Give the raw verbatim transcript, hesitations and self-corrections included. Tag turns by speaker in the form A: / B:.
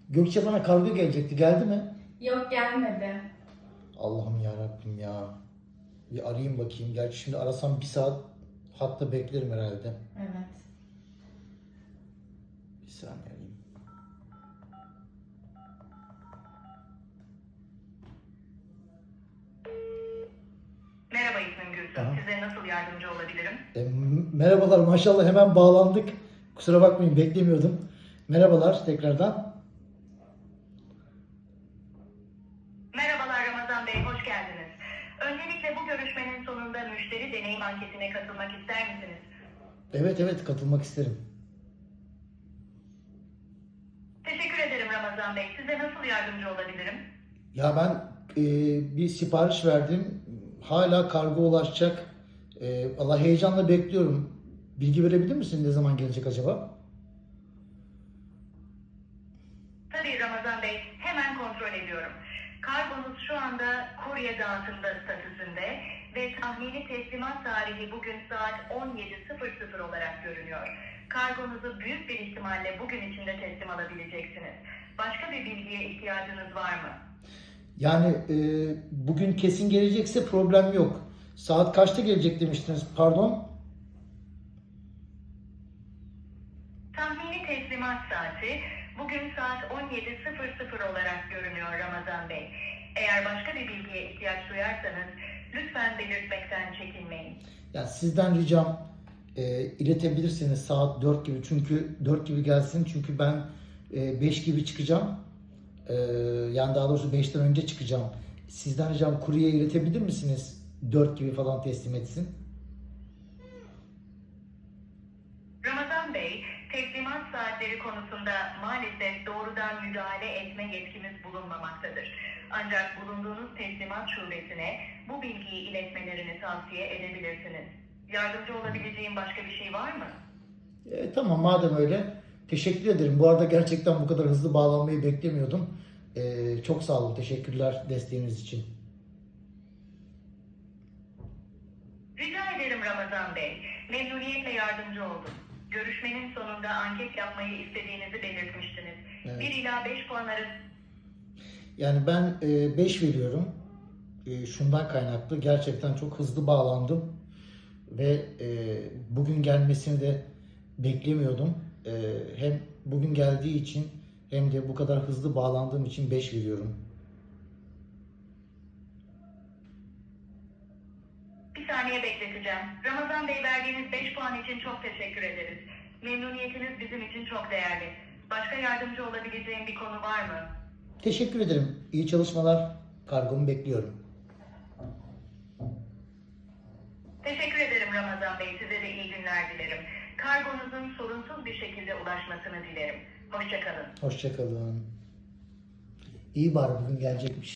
A: Gökçe bana kargo gelecekti. Geldi mi?
B: Yok, gelmedi.
A: Allah'ım ya Rabbim ya. Bir arayayım bakayım. Gerçi şimdi arasam bir saat hatta beklerim herhalde.
B: Evet.
A: Bir saniye arayayım.
C: Merhaba İsmim Gülsüm.
A: Aha.
C: Size nasıl yardımcı olabilirim?
A: E, m- merhabalar, maşallah hemen bağlandık. Kusura bakmayın, beklemiyordum. Merhabalar tekrardan.
C: Merhabalar Ramazan Bey, hoş geldiniz. Öncelikle bu görüşmenin sonunda müşteri deneyim anketine katılmak ister misiniz?
A: Evet evet, katılmak isterim.
C: Teşekkür ederim Ramazan Bey. Size nasıl yardımcı olabilirim?
A: Ya ben e, bir sipariş verdim. Hala kargo ulaşacak. E, Allah heyecanla bekliyorum. Bilgi verebilir misin, ne zaman gelecek acaba?
C: Tabii Ramazan Bey, hemen kontrol ediyorum. Kargonuz şu anda kurye dağıtımda statüsünde ve tahmini teslimat tarihi bugün saat on yedi sıfır sıfır olarak görünüyor. Kargonuzu büyük bir ihtimalle bugün içinde teslim alabileceksiniz. Başka bir bilgiye ihtiyacınız var mı?
A: Yani e, bugün kesin gelecekse problem yok. Saat kaçta gelecek demiştiniz? Pardon.
C: Tahmini teslimat saati bugün saat on yedi sıfır sıfır olarak görünüyor Ramazan Bey. Eğer başka bir bilgiye ihtiyaç duyarsanız lütfen belirtmekten çekinmeyin.
A: Ya sizden ricam e, iletebilirseniz saat dört gibi, çünkü dört gibi gelsin, çünkü ben e, beş gibi çıkacağım. E, yani daha doğrusu beşten önce çıkacağım. Sizden ricam kurye iletebilir misiniz? dört gibi falan teslim etsin.
C: Ramazan Bey, teslimat saatleri konusunda maalesef doğrudan müdahale etme yetkimiz bulunmamaktadır. Ancak bulunduğunuz teslimat şubesine bu bilgiyi iletmelerini tavsiye edebilirsiniz. Yardımcı olabileceğim başka bir şey var mı?
A: E, tamam, madem öyle. Teşekkür ederim. Bu arada gerçekten bu kadar hızlı bağlanmayı beklemiyordum. E, çok sağ olun. Teşekkürler desteğiniz için.
C: Rica ederim Ramazan Bey. Memnuniyetle yardımcı oldum. Görüşmenin sonunda anket yapmayı istediğinizi belirtmiştiniz.
A: Evet.
C: bir ila beş puan arası
A: Yani ben beş veriyorum. E, şundan kaynaklı. Gerçekten çok hızlı bağlandım. Ve e, bugün gelmesini de beklemiyordum. E, hem bugün geldiği için hem de bu kadar hızlı bağlandığım için beş veriyorum.
C: bir saniye bekleteceğim. Ramazan Bey, verdiğiniz beş puan için çok teşekkür ederiz. Memnuniyetiniz bizim için çok değerli. Başka yardımcı olabileceğim bir konu var mı?
A: Teşekkür ederim. İyi çalışmalar. Kargomu bekliyorum.
C: Teşekkür ederim Ramazan Bey. Size de iyi günler dilerim. Kargonuzun sorunsuz bir şekilde ulaşmasını dilerim. Hoşça kalın.
A: Hoşça kalın. İyi, bari bugün gelecekmiş.